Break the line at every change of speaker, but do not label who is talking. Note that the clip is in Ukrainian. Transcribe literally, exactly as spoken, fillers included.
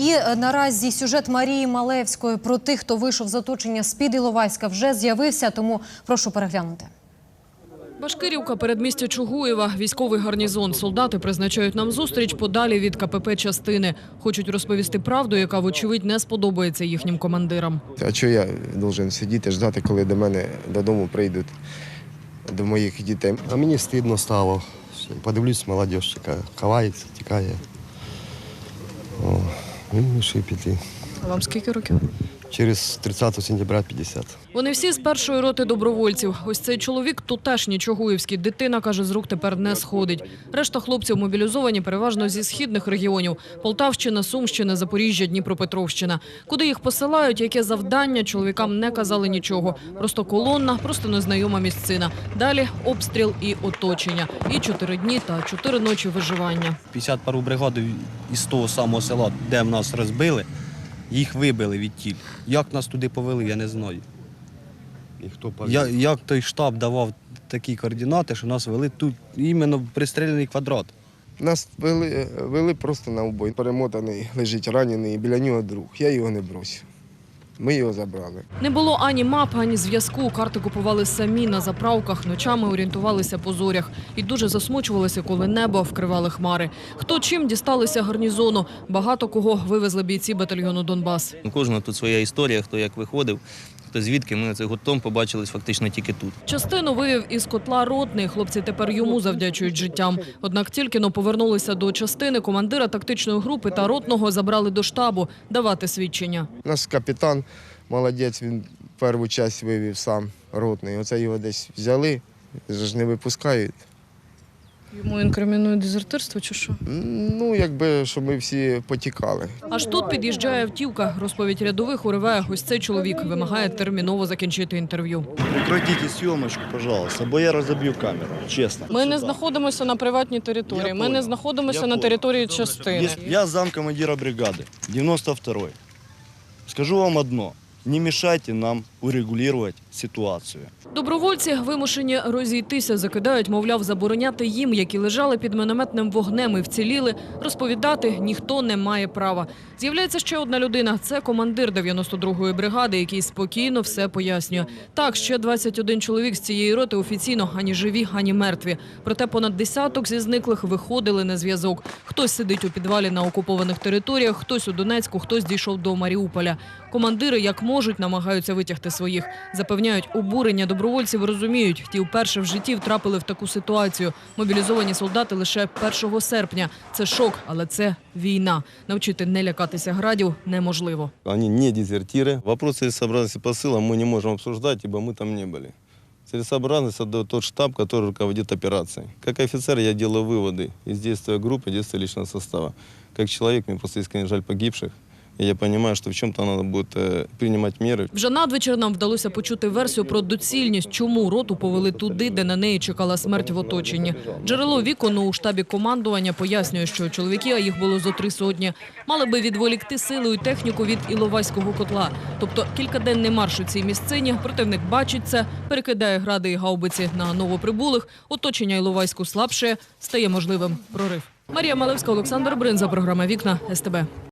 І наразі сюжет Марії Малевської про тих, хто вийшов з оточення з-під Іловайська, вже з'явився, тому прошу переглянути.
Башкирівка, передмістя Чугуєва, військовий гарнізон. Солдати призначають нам зустріч подалі від ка пе пе частини. Хочуть розповісти правду, яка, вочевидь, не сподобається їхнім командирам.
А що я повинен сидіти, ждати, коли до мене додому прийдуть, до моїх дітей?
А мені стидно стало. Подивлюсь, молодь така ховається, тікає. О, він вирішив піти.
А вам скільки років?
Через тридцятого сентября п'ятдесят.
Вони всі з першої роти добровольців. Ось цей чоловік тутешній чугуївський. Дитина, каже, з рук тепер не сходить. Решта хлопців мобілізовані переважно зі східних регіонів. Полтавщина, Сумщина, Запоріжжя, Дніпропетровщина. Куди їх посилають, яке завдання, чоловікам не казали нічого. Просто колонна, просто незнайома місцина. Далі обстріл і оточення. І чотири дні та чотири ночі виживання.
п'ятдесят пару бригад із того самого села, де в нас розбили, їх вибили відтіль. Як нас туди повели, я не знаю.
І хто повів?
Я, як той штаб давав такі координати, що нас вели тут іменно в пристріляний квадрат.
Нас вели, вели просто на убой. Перемотаний, лежить ранений, біля нього друг. Я його не бросив. Ми його забрали.
Не було ані мап, ані зв'язку. Карти купували самі на заправках, ночами орієнтувалися по зорях. І дуже засмучувалися, коли небо вкривали хмари. Хто чим дісталися гарнізону. Багато кого вивезли бійці батальйону «Донбас».
У кожного тут своя історія, хто як виходив, хто звідки. Ми цей гуртом побачились фактично тільки тут.
Частину вивів із котла ротний. Хлопці тепер йому завдячують життям. Однак тільки-но повернулися до частини, командира тактичної групи та ротного забрали до штабу давати свідчення.
Наш капітан, молодець, він першу частину вивів сам ротний. Оце його десь взяли, ж не випускають.
Йому інкримінують дезертирство чи що?
Ну, якби, щоб ми всі потікали.
Аж тут під'їжджає автівка. Розповідь рядових уриває ось цей чоловік. Вимагає терміново закінчити інтерв'ю.
Прекратите зйомочку, пожалуйста, бо я розоб'ю камеру, чесно.
Ми не знаходимося на приватній території.
Я
Ми не
понял.
знаходимося
Я
на
понял.
території частини.
Я замкомандира бригади, дев'яносто второй. Скажу вам одно. Не мешайте нам урегулювати ситуацію.
Добровольці вимушені розійтися, закидають, мовляв, забороняти їм, які лежали під мінометним вогнем і вціліли, розповідати ніхто не має права. З'являється ще одна людина – це командир дев'яносто другої бригади, який спокійно все пояснює. Так, ще двадцять один чоловік з цієї роти офіційно ані живі, ані мертві. Проте понад десяток зі зниклих виходили на зв'язок. Хтось сидить у підвалі на окупованих територіях, хтось у Донецьку, хтось дійшов до Маріуполя. Командири, як можуть, намагаються витягти своїх. Запевняють, обурення добровольців розуміють. Ті вперше в житті втрапили в таку ситуацію. Мобілізовані солдати лише першого серпня. Це шок, але це війна. Навчити не лякатися градів неможливо.
Они не дезертиры. Вопрос целесообразности посыла мы не можем обсуждать, ибо мы там не были. Целесообразность отдает тот штаб, который руководит операцией. Как офицер я делаю выводы из действия группы, действия личного состава. Как человек, мне просто искренне жаль погибших. І я розумію, що в чому-то треба буде приймати міри.
Вже надвечір нам вдалося почути версію про доцільність, чому роту повели туди, де на неї чекала смерть в оточенні. Джерело Вікону у штабі командування пояснює, що чоловіки, а їх було зо три сотні, мали би відволікти силу і техніку від Іловайського котла. Тобто кількаденний марш у цій місцині, противник бачить це, перекидає гради і гаубиці на новоприбулих, оточення Іловайську слабше, стає можливим прорив. Марія Малевська, Олександр Бринза, програма «Вікна», ес те бе.